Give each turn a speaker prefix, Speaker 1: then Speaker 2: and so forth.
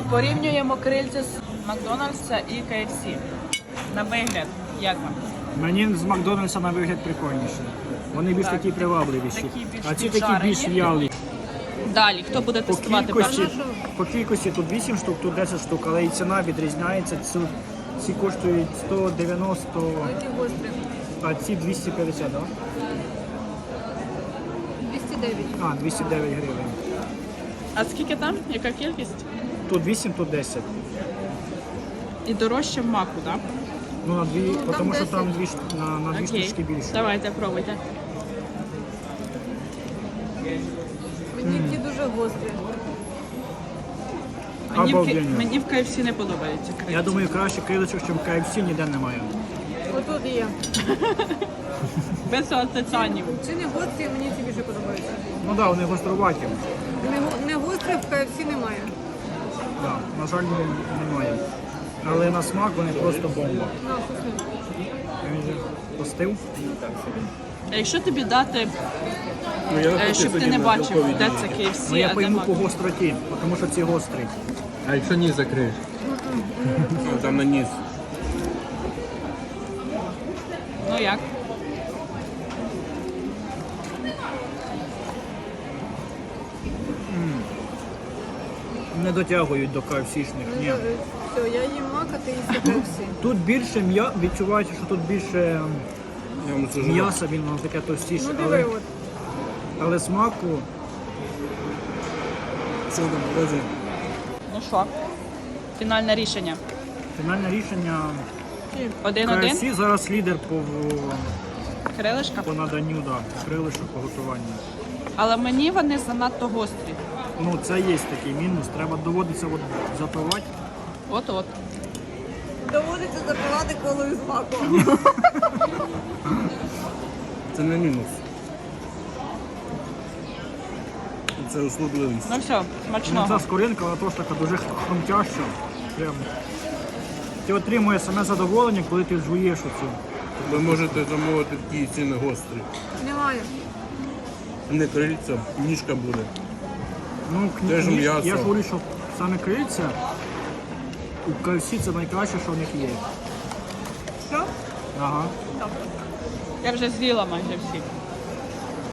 Speaker 1: Порівнюємо крильця з Макдональдса і KFC. На вигляд, як вам?
Speaker 2: Мені з Макдональдса на вигляд прикольніше. Вони більш такі привабливіші.
Speaker 1: такі більш
Speaker 2: А ці такі
Speaker 1: піджарені.
Speaker 2: більш в'ялі.
Speaker 1: Далі, хто буде тестувати перший?
Speaker 2: По кількості тут 8 штук, тут 10 штук, але і ціна відрізняється. Ці коштують 190, а ці 250, так? Да?
Speaker 3: 209.
Speaker 2: 209 гривень.
Speaker 1: А скільки там? Яка кількість?
Speaker 2: Тут 8, тут 10.
Speaker 1: І дорожче в маку, так?
Speaker 2: Ну, на дві,
Speaker 3: там
Speaker 2: тому що
Speaker 3: 10.
Speaker 2: там на дві
Speaker 1: Окей.
Speaker 2: штучки більше.
Speaker 1: Давайте, пробуйте.
Speaker 3: Мені ті дуже гострі.
Speaker 2: Обалденно.
Speaker 1: Мені в KFC не подобається крильця.
Speaker 2: Я думаю, краще крилечок, ніж в KFC, ніде немає.
Speaker 3: Отут є.
Speaker 1: Без асоціанів.
Speaker 3: Чи не гострі, мені ці більше подобаються.
Speaker 2: Ну так, да, вони гостроваті.
Speaker 3: Не гострі в KFC немає.
Speaker 2: Да, на жаль, немає. Але на смак вони просто бомба.
Speaker 3: На, вкусно.
Speaker 2: Він же постив.
Speaker 1: А якщо тобі дати,
Speaker 4: Ну, я навпаки
Speaker 1: щоб ти
Speaker 4: тоді
Speaker 1: не
Speaker 4: на
Speaker 1: бачив,
Speaker 4: білковій
Speaker 1: де
Speaker 4: дієті.
Speaker 1: це KFC,
Speaker 2: Ну я
Speaker 1: а де
Speaker 2: пойму
Speaker 1: мак.
Speaker 2: по гостроті, тому що ці гострі.
Speaker 4: А якщо ніс закриєш? Там на ніс.
Speaker 1: Ну як?
Speaker 2: Не дотягують до KFC-шних. Ні.
Speaker 3: Все, я їм мак, а ти їсти KFC.
Speaker 2: Тут більше відчувається, що тут більше
Speaker 4: Я вам це жував.
Speaker 2: м'яса, воно таке товстіше,
Speaker 3: Ну диви, от.
Speaker 2: але смаку
Speaker 4: Що там, покажи?
Speaker 1: Ну що? Фінальне рішення.
Speaker 2: фінальне рішення
Speaker 1: 1-1.
Speaker 2: KFC зараз лідер
Speaker 1: Крилишка.
Speaker 2: по наданню, крилишок по готуванню.
Speaker 1: Але мені вони занадто гострі.
Speaker 2: Ну це є такий мінус, треба доводиться запивати.
Speaker 1: От-от.
Speaker 3: Доводиться запивати колою з маком.
Speaker 4: Це не мінус. Це услужливість.
Speaker 1: Ну все,
Speaker 2: Ну,
Speaker 1: смачного.
Speaker 2: ця скоринка, вона теж така дуже хрумтяща. Прям. Ти отримуєш саме задоволення, коли ти жуєш оцю.
Speaker 4: Ви можете замовити такі ціни гострі.
Speaker 3: Немає.
Speaker 4: Не крильця, ніжка буде.
Speaker 2: Ну,
Speaker 4: Теж
Speaker 2: я
Speaker 4: м'ясо.
Speaker 2: ж говорю, що саме крильця у KFC це найкраще, що в них є.
Speaker 3: Що?
Speaker 2: Ага.
Speaker 1: Я вже з'їла майже всі.